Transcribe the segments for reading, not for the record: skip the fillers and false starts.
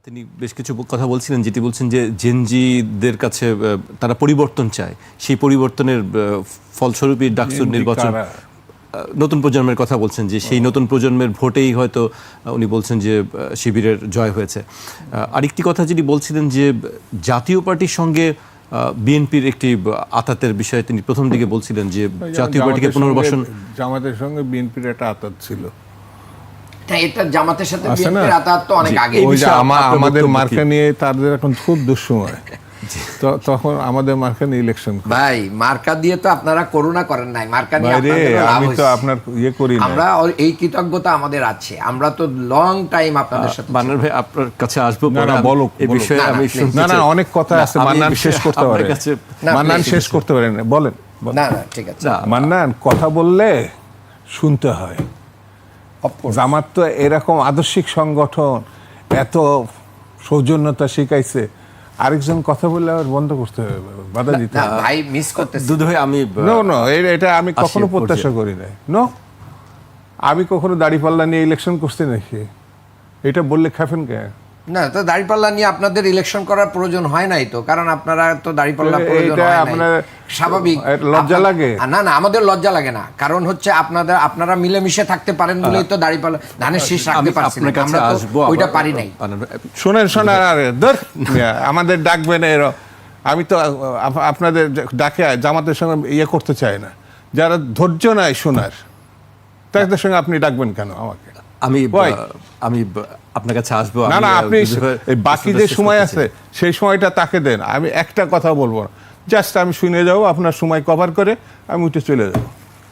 তিনি বেশ কিছু কথা বলছিলেন, যেটি বলছেন যে জেনজিদের কাছে তারা পরিবর্তন চায়, সেই পরিবর্তনের ফলস্বরূপই ডাকসুর নির্বাচন। নতুন প্রজন্মের কথা বলছেন যে সেই নতুন প্রজন্মের ভোটেই হয়তো উনি বলছেন যে শিবিরের জয় হয়েছে। আরেকটি কথা যিনি বলছিলেন যে জাতীয় পার্টির সঙ্গে বিএনপির একটি আতাতের বিষয়ে তিনি প্রথম দিকে বলছিলেন যে জাতীয় পার্টিকে পুনর্বাসন, জামাতের সঙ্গে বিএনপির একটা আতাত ছিল। এটা জামাতের সাথে বিএনপির আতাত তো অনেক আগে। আমাদের মার্কা নিয়ে তাদের এখন খুব দুঃসময়, তখন আমাদের মার্কা নিয়ে ইলেকশন। ভাই মার্কা দিয়ে তো আপনারা করোনা করেন নাই, মার্কা নিয়ে আমি তো আপনার ইয়ে করি না। আমরা এই কৃতজ্ঞতা আমাদের আছে, আমরা তো লং টাইম আপনাদের সাথে। মান্নান ভাই আপনার কাছে আসবো, না বলো এই বিষয়ে আমি শুনতে চাই। না অনেক কথা আছে, মান্নান শেষ করতে পারে, মান্নান শেষ করতে পারেন, বলেন। না ঠিক আছে মান্নান, কথা বললে শুনতে হয়। জামাত তো এরকম আদর্শিক সংগঠন, এত সৌজন্যতা শিখাইছে, আরেকজন কথা বললে আবার বন্ধ করতে হবে, বাধা দিতে হবে। ভাই মিস করতেছি দুধ ভাই, আমি এটা আমি কখনো প্রত্যাশা করি নাই। আমি কখনো দাড়িপাল্লা নিয়ে ইলেকশন করছি নাকি? এটা বললে খাবেন কে? না, তো দাড়িপাল্লা নিয়ে আপনাদের ইলেকশন করার প্রয়োজন হয় নাই তো, কারণ আপনারা তো দাড়িপাল্লা প্রয়োজন হয় নাই, স্বাভাবিক। লজ্জা লাগে না, আমাদের লজ্জা লাগে না, কারণ হচ্ছে আপনারা মিলেমিশে থাকতে পারেন বলেই তো দাড়িপাল্লা ধানের শীষ রাখতে পারছেন, আমরা তো ওইটা পারি নাই। শোনেন আমাদের ডাকবেন এর, আমি তো আপনাদের ডাকে জামাতের সঙ্গে ইয়ে করতে চাই না। যারা ধৈর্য নাই শোনার, তাদের সঙ্গে আপনি ডাকবেন কেন আমাকে? আমি আপনার কাছে আসবো। না আপনি বাকি যে সময় আছে সেই সময়টা তাকে দেন, আমি একটা কথা বলবো না, জাস্ট আমি শুনে যাবো, আপনার সময় কভার করে আমি উঠে চলে যাব,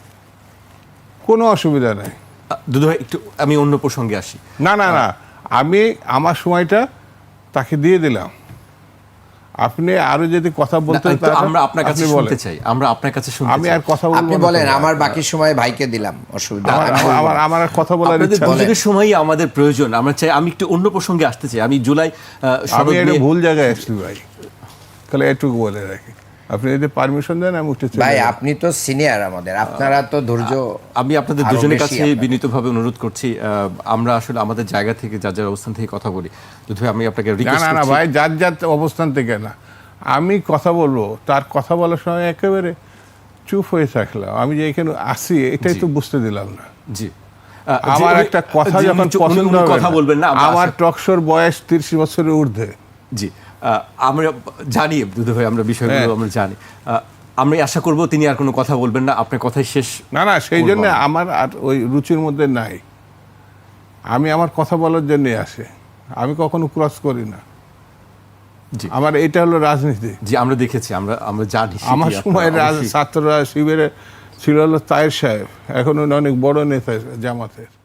কোনো অসুবিধা নেই। দুধ ভাই একটু আমি অন্য প্রসঙ্গে আসি। না আমি আমার সময়টা তাকে দিয়ে দিলাম, আপনি আরো যদি কথা বলতে আমরা আপনার কাছে শুনতে চাই, আমরা আপনার কাছে শুনতে চাই। আমি আর কথা বলবো, আপনি বলেন, আমার বাকি সময় ভাইকে দিলাম, অসুবিধা আমার কথা বলার ইচ্ছা নেই। দুজনের সময়ই আমাদের প্রয়োজন, আমরা চাই। আমি একটু অন্য প্রসঙ্গে আসতে চাই। আমি জুলাই আমি একটা ভুল জায়গায় আসছি ভাই, তাহলে এটুকু বলে রাখি, আপনি যদি পারমিশন দেন আমি উঠে চলে ভাই। আপনি তো সিনিয়র আমাদের, আপনারা তো ধৈর্য। আমি আপনাদের দুজনের কাছে বিনীতভাবে অনুরোধ করছি, আমরা আসলে আমাদের জায়গা থেকে যার যার অবস্থান থেকে কথা বলি। যদি আমি আপনাকে রিকোয়েস্ট করছি, না ভাই, যার অবস্থান থেকে না, আমি কথা বলবো, তার কথা বলার সময় একেবারে চুপ হয়ে থাকলাম। আমি যে এখানে আসি এটাই তো বুঝতে দিলাম না। জি, আমার একটা কথা যখন পছন্দ হবে, কথা বলবেন না। আমার টকশোর বয়স 30 বছরের ঊর্ধ্বে। জি, আমরা জানি দুধ ভাই, আমরা বিষয়গুলো আমরা জানি। আমি আশা করব তিনি আর কোনো কথা বলবেন না, আপনার কথাই শেষ। না সেই জন্য আমার আর ওই রুচির মধ্যে নাই। আমি আমার কথা বলার জন্য আসে, আমি কখনো ক্রস করি না। আমার এটা হলো রাজনীতি। জি, আমরা দেখেছি, আমরা জানি। আমার সময় ছাত্ররা শিবিরে ছিল হলো তায়ের সাহেব, এখন অনেক বড় নেতা জামাতের।